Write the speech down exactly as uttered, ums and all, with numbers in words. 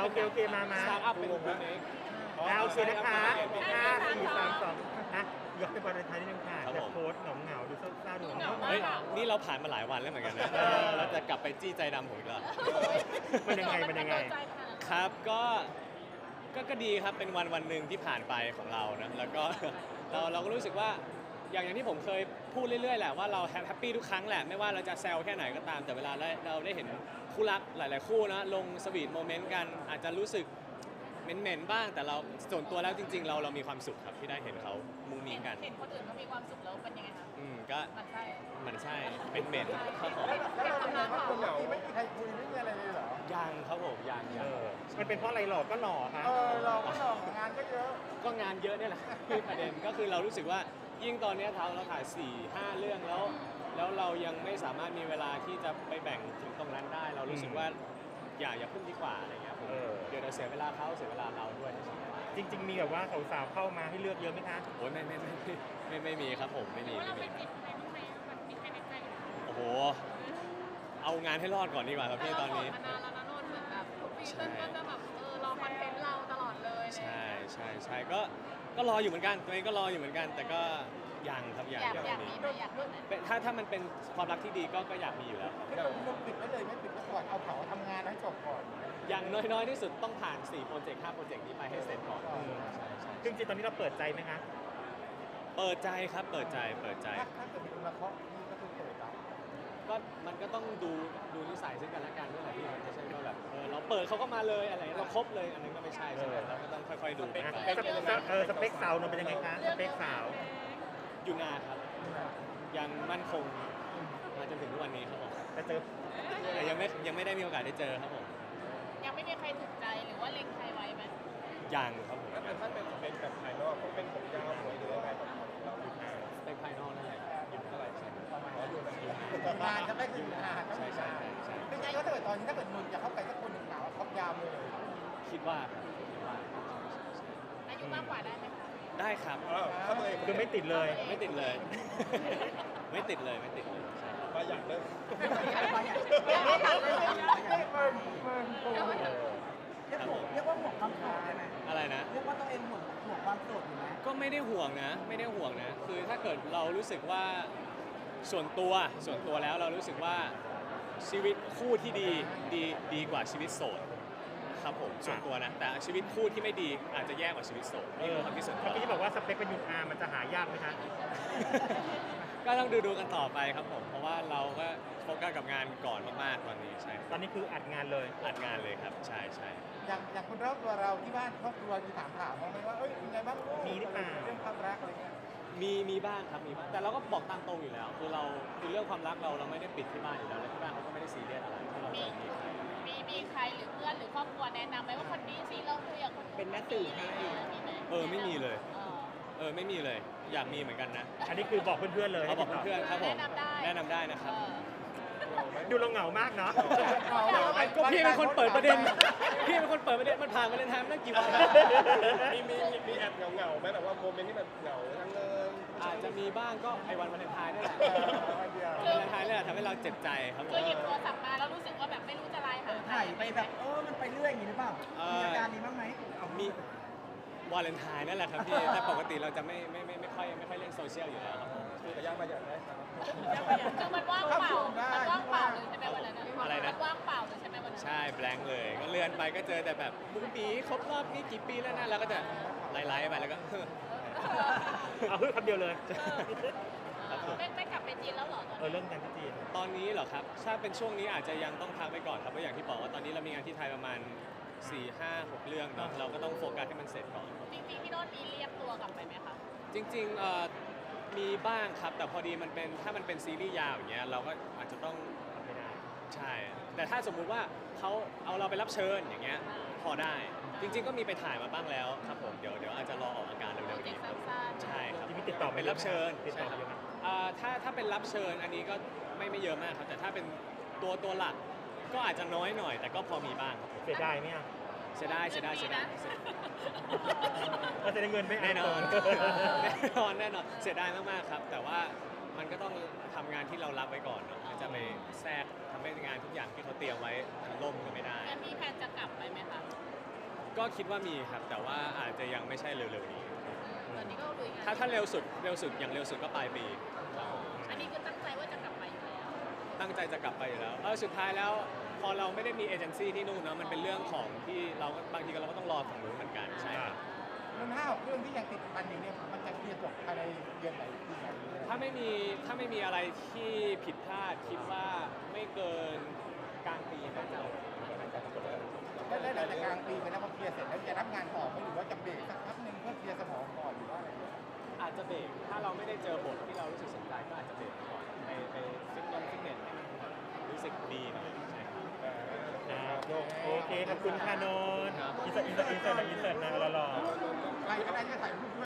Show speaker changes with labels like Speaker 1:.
Speaker 1: เคโอเคมามา
Speaker 2: สตาร์ทอัพเป็นบูมเอง
Speaker 1: เอาโอเคนะคะห้าสี่สามสองนะย้อนไปวันไทยนิดนึงค่ะแต่โพสเหงาเหงาดูเศร้าๆดูเหงา
Speaker 2: เฮ้ยนี่เราผ่านมาหลายวันแล้วเหมือนกันนะเราจะกลับไปจี้ใจดำผมอีกแล้ว
Speaker 1: มันยังไงมันยังไง
Speaker 2: ครับก็ก็ก็ดีครับเป็นวันวันหนึ่งที่ผ่านไปของเรานะแล้วก็เราเราก็รู้สึกว่าอย่างอย่างที่ผมเคยพูดเรื่อยๆแหละว่าเราแฮปปี้ทุกครั้งแหละไม่ว่าเราจะแซวแค่ไหนก็ตามแต่เวลาเราได้เห็นคู่รักหลายๆคู่นะลงสวีทโมเมนต์กันอาจจะรู้สึกเหม็นๆบ้างแต่เราส่วนตัวแล้วจริงๆ เราเรามีความสุขครับที่ได้เห็นเขามุงมิงกัน
Speaker 3: เห็นคนอื่นเขามีความสุขแล้วเป็นยังไงคะ
Speaker 2: อืมก็
Speaker 3: มันใช่
Speaker 2: มันใช่เป็นเหม็นครับผม
Speaker 4: แล้วเราเป็นไงบ้างคนเหงาไม่มีใครคุยไม่มีอะไรเลยเหรอ
Speaker 2: ยังครับผมยัง
Speaker 1: เอ
Speaker 2: ยัง
Speaker 1: อมันเป็นเพราะอะไรหลอกก็หล่อค่ะ
Speaker 4: เออเราก็หลอกงานก็เยอะ
Speaker 2: ก็งานเยอะเนี่ยแหละคือประเด็นก็คือเรารู้สึกว่ายิ่งตอนนี้เราเราถ่ายสี่ห้าเรื่องแล้ว แล้วเรายังไม่สามารถมีเวลาที่จะไปแบ่งถึงตรงนั้นได้ เรารู้สึกว่าอย่าอย่าพึ่งดีกว่าอะไรเงี้ยผมเดี๋ยวเราเสียเวลาเขาเสียเวลาเราด้วย
Speaker 1: จริง ๆ มีแบบว่าสาวๆเข้ามาให้เลือกเยอะไหมคะ
Speaker 2: โอ้ยไม่ไม่ไม่ไม่ไม่ไม่มีครับผมไม่มีไม่มีโอ้โหเอางานให้รอดก่อนดีกว่าครับพี่ตอนนี้
Speaker 3: มานานแล้วนะนนท์เหมือนแบบทุกปีเติ้ลก็จะแบบเออรอคอนเทนต์เราตลอดเลย
Speaker 2: ใช่ใช่ใช่ก็ก็รออยู่เหมือนกันตัวเองก็รออยู่เหมือนกัน แต่ก็ยังครับยัง
Speaker 3: อยาก
Speaker 2: ยัง
Speaker 3: อยาก
Speaker 2: ไม่
Speaker 3: มี
Speaker 2: มี
Speaker 3: ไหมอยากมีไหม
Speaker 2: เป็นถ้าถ้ามันเป็นความรักที่ดีก็ก็อยากมีอยู่แล้ว
Speaker 4: ไม่ต้องต้องปิดไว้เลยไม่ปิดไว้ก่อนเอาเผาทำงานให้จบก่อน
Speaker 2: อย่างน้อยๆที่สุดต้องผ่านสี่โปรเจกต์ห้าโปรเจกต์นี้ไปให้เสร็จก่อน
Speaker 4: อืม
Speaker 2: ใช่ใช่
Speaker 1: จริงๆตอนนี้เราเปิดใจไหมคะ
Speaker 2: เปิดใจครับเปิดใจเปิดใจ
Speaker 4: ถ้าถ้าเกิดมีคนมาเคาะนี่ก็คือเปิดรับ
Speaker 2: ก็มันก็ต้องดูดูนิสัยซึ่งกันและกันด้วยแหละพี่มันไม่ใช่ว่าแบบเออเราเปิดเขาก็มาเลยอะไรเราครบเลยอันนั้นก็ไม่ใช่ใช่ไหมเราก็ต้องค่อยๆดูไป
Speaker 1: อ่ะสเปคเออสเปคสาวเราเป็นยังไงคะสเปคสาว
Speaker 2: อยู่นาครับยังมั่นคงมาจนถึงทุกวันนี้ครับผม
Speaker 1: จะเจอ
Speaker 2: แต่ยังไม่ยังไม่ได้มีโอกาสได้เจอครับผม
Speaker 3: ยังไม่มีใครถูกใจหรือว่าเล็งใครไว้ไหม
Speaker 2: ยังครับผม
Speaker 4: ถ้าเป็นถ้าเป็นเป็นแบบภายนอกต้องเป็นผมยาวสวยหรืออะไรแบบเราอยู่นาน
Speaker 2: สเปคภายนอกนั่นแหละอยู่เท่าไหร่ใช่ไหม
Speaker 4: ขออยู่นานจะไม่ถึงนานต้องอยู่นานไม่ใช่ก็ถ้าเกิดตอนนี้ถ้าเกิดนุ่นจะเข้าไปสักคนหนึ่งหนาวเขายาวเลย
Speaker 2: คิดว่าครับคิดว่า
Speaker 3: อายุมากกว่าได้ไหมคะ
Speaker 2: ได้ครับ
Speaker 4: ถ้าตัวเอง
Speaker 1: คือไม่ติดเลย
Speaker 2: ไม่ติดเลย ไม่ติดเลยไม่ติดเลยใช่
Speaker 4: ประหยัดเลย
Speaker 2: ครับผม
Speaker 5: เรียกว่าห่วงความโสดได้ไหม
Speaker 2: อะไรนะ
Speaker 5: เรียกว่าตัวเองห่วงห่วงความโสดอยู่ไหม
Speaker 2: ก็ไม่ได้ห่วงนะ ไม่ได้ห่วงนะ คือถ้าเกิดเรารู้สึกว่าส่วนตัวส่วนตัวแล้วเรารู้สึกว่าชีวิตคู่ที่ดีดีดีกว่าชีวิตโสดครับผมส่วนตัวนะ แต่ชีวิตคู่ที่ไม่ดีอาจจะแย่กว่าชีวิตโสด
Speaker 1: เอ
Speaker 2: นี่
Speaker 1: อ
Speaker 2: คือความคิดส่วนตั
Speaker 1: เมื่อ
Speaker 2: ว
Speaker 1: กี้ที่บอกว่าสเปคเป็นยูนอาร์มันจะหายากไหมคะ
Speaker 2: ก็ต้องดูดูกันต่อไปครับผม เพราะว่าเราก็โฟกัสกับงานก่อนมากๆตอนนี้ใช่
Speaker 1: ตอนนี้คืออัดงานเลย
Speaker 2: อัดงานเลยครับใช่ใช่
Speaker 4: อย่างอย่างคนรอบตัวเราที่บ้านครอบครัวมีถามถามไหมว่าเอ้ยเป็นไงบ้างลูกเรื่องความรักอะไรเงี้ย
Speaker 2: มีมีบ้างครับมีบ้างแต่เราก็บอกตามตรงอยู่แล้ว คือเราคือเรื่องความรักเราเราไม่ได้ปิดที่บ้านอยู่แล้วและที่บ้านเขาก็ไม่ได้ซีเรียสอะไรที่เราจะมีใคร
Speaker 3: มีมีใครหรือเพื่อนหรือครอบครัวแนะนำไหมว่าคนนี้สิเราคุยกับคน
Speaker 5: เป็นแม่สื่อให้
Speaker 3: มีไหม
Speaker 2: เออไม่มีเลย
Speaker 3: เออ
Speaker 2: เออไม่มีเลยอยากมีเหมือนกันนะ
Speaker 1: อันนี้คือบอกเพื่อนๆเลย
Speaker 2: เขาบอกเพื่อนๆครับผม
Speaker 3: แนะนำได้
Speaker 2: แนะนำได้นะครับ
Speaker 3: เออ
Speaker 1: ดูเราเหงามากเนาะ
Speaker 2: ก็พี่เป็นคนเปิดประเด็น พี่เป็นคนเปิดประเด็นมันผ่านมาเลนไทน์มาตั้งกี่วันแล้ว
Speaker 4: มีมีมีแอบเหงาเหงาไหมแบบว่าโมเมนต์ที่แบบเหงาทั้งเงิน
Speaker 2: อาจจะมีบ้างก็ไอ้วันวาเลนไทน์นี่แหละ
Speaker 4: วันเดียว
Speaker 2: วันวาเลนไทน์นี่แหละทำให้เราเจ็บใจครับผ
Speaker 3: คือ
Speaker 2: ม
Speaker 3: หยิบโทรศัพท์มาแล้วรู้สึกว่าแบบไม่รู้จะไลน์หาใคร
Speaker 5: ถ่ายไปแบบเออมันไปเรื่อยอย่างนี้หรือเปล่า มีอาการนี้บ้างไหม
Speaker 2: มีวาเลนไทน์นั่นแหละครับพี่แต่ปกติเราจะไม่ไม่ไม่ไม่ค่อยไม่ค่อยเล่นโซเชียลอยู่แล้วครับผม
Speaker 4: คือแต่ย่างประหยัดได้ครับ
Speaker 3: คือมันว่างเปล่ามันว่างเปล่าเลยใช่ไหมวันนั้น
Speaker 2: อะไรนะ
Speaker 3: มันว่างเปล่าเลยใช่ไหมวันนั้น
Speaker 2: ใช่แบงค์เลย ก็เลื่อนไปก็เจอแต่แบบบุ้งปีครบรอบนี่กี่ปีแล้วนะเราก็จะไล่ๆไปแล้วก็
Speaker 1: เอาเฮ้ยคำเดียวเลย
Speaker 2: ครับผม
Speaker 3: ไม่ไม่กลับไปจีนแล้วเหรอตอน
Speaker 1: เออเรื่องงานที่จีน
Speaker 2: ตอนนี้เหรอครับ ถ้าเป็นช่วงนี้อาจจะยังต้องพักไปก่อนครับเพราะอย่างที่บอกว่าตอนนี้เรามีงานที่ไทยประมาณ สี่ ห้า หก เรื่องเนาะเราก็ต้องโฟกัสให้มันเสร็จก่อน
Speaker 3: จริงๆพี่โน้ตมีเรียกตัวกลับไปไหมคะ
Speaker 2: จริงๆเอ่อมีบ้างครับ แต่พอดีมันเป็นถ้ามันเป็นซีรีส์ยาวอย่างเงี้ยเราก็อาจจะต้อง
Speaker 1: ทำไม่ได้
Speaker 2: ใช่ แต่ถ้าสมมุติว่าเขาเอาเราไปรับเชิญอย่างเงี้ยพอได้ จริง ๆ ก็มีไปถ่ายมาบ้างแล้วครับผมเดี๋ยวเดี๋ยวอาจจะรอออกอาการ
Speaker 3: โปร
Speaker 2: เร็วๆ
Speaker 3: เจก
Speaker 2: นี้
Speaker 3: ต์
Speaker 2: ครับ
Speaker 3: สั้นๆ
Speaker 2: ใช่ครับ
Speaker 1: ที่มีติดต่อไป
Speaker 2: เป็นรับเชิญ
Speaker 1: ติดต่อ
Speaker 2: ใช่
Speaker 1: ไป
Speaker 2: ครับ
Speaker 1: เยอะไหม
Speaker 2: อ่าถ้าถ้าเป็นรับเชิญอันนี้ก็ไม่ไม่เยอะมากครับ แต่ถ้าเป็นตัวตัวหลักก็อาจจะน้อยหน่อย แต่ก็พอมีบ้างครับ
Speaker 1: เสียดายไหมอ่ะ
Speaker 2: เสียดายเสียดายเสียดาย
Speaker 1: เราจะได้เงินไหม
Speaker 2: แน่นอน แน่นอนแน่นอนเสียดายมากๆครับ แต่ว่ามันก็ต้องทำงานที่เรารับไว้ก่อนเนาะมันจะไปแทรกทำให้งานทุกอย่างที่เขาเตรียมไว้มันล่มก็ไม่ได้
Speaker 3: งั้นมีแผนจะกลับไปไหมคะ
Speaker 2: ก็คิดว่ามีครับแต่ว่าอาจจะยังไม่ใช่เร็วๆนี้
Speaker 3: ตอนนี้ก็ลุยงาน
Speaker 2: ถ้าถ้าเร็วสุดเร็วสุดอย่างเร็วสุดก็ปลายปีครับ
Speaker 3: อันนี้คือตั้งใจว่าจะกลับไปอยู่แล้ว
Speaker 2: ตั้งใจจะกลับไปอยู่แล้วเออสุดท้ายแล้วพอเราไม่ได้มีเอเจนซี่ที่นู่นเนาะมันเป็นเรื่องของที่เราบางทีก็เราก็ต้องรอฝั่งนู้นเหมือนกันใช่ครับ
Speaker 4: มันห้าเรื่องที่ยังติดพันอยู่เนี่ยมันจะเคลียร์จบภายในเดือนไหนปีไหน
Speaker 2: ถ้าไม่มีถ้าไม่มีอะไรที่ผิดพลาดคิดว่าไม่เกินกลางปีน่าจะ
Speaker 4: แล้วได้หลังจากกลางปีไปแล้วพอเคลียร์เสร็จแล้วจะรับงานต่อไหมหรือว่าจะเบรกสักพักหนึ่งเพื่อเคลียร์สมองก่อนหรือว่าอะไร
Speaker 2: อาจจะเบรกถ้าเราไม่ได้เจอบทที่เรารู้สึกสนใจก็อาจจะเบรกก่อนไปไปฟิตนงฟิตเนสให้มันรู้สึกดีหน่อยใช่ครับ
Speaker 1: อ่าโอเคขอบคุณค่ะนนท์อินเสิร์ตอินเสิร์ตอินเสิร์ตอินเสิร์ตนะรอๆ
Speaker 4: ใครก็ได้ที่ถ่ายรูปด้วย